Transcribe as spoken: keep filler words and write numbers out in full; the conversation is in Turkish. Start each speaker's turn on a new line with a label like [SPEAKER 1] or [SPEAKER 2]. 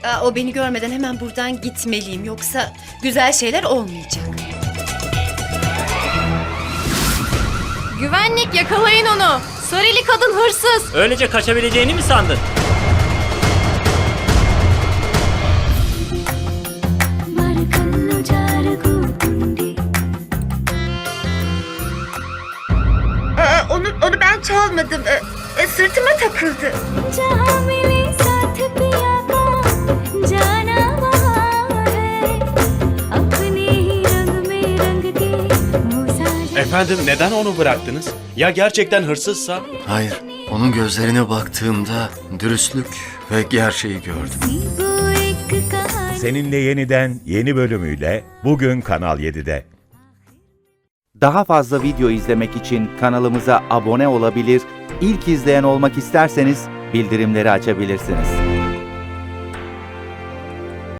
[SPEAKER 1] Aa, o beni görmeden hemen buradan gitmeliyim. Yoksa güzel şeyler olmayacak.
[SPEAKER 2] Güvenlik, yakalayın onu. Sarili kadın hırsız.
[SPEAKER 3] Öylece kaçabileceğini mi sandın?
[SPEAKER 1] Aa, onu, onu ben çalmadım. Ee, e, sırtıma takıldı.
[SPEAKER 4] Efendim neden onu bıraktınız? Ya gerçekten hırsızsa?
[SPEAKER 5] Hayır, onun gözlerine baktığımda dürüstlük ve gerçeği gördüm.
[SPEAKER 6] Seninle Yeniden yeni bölümüyle bugün Kanal yedide.
[SPEAKER 7] Daha fazla video izlemek için kanalımıza abone olabilir, ilk izleyen olmak isterseniz bildirimleri açabilirsiniz.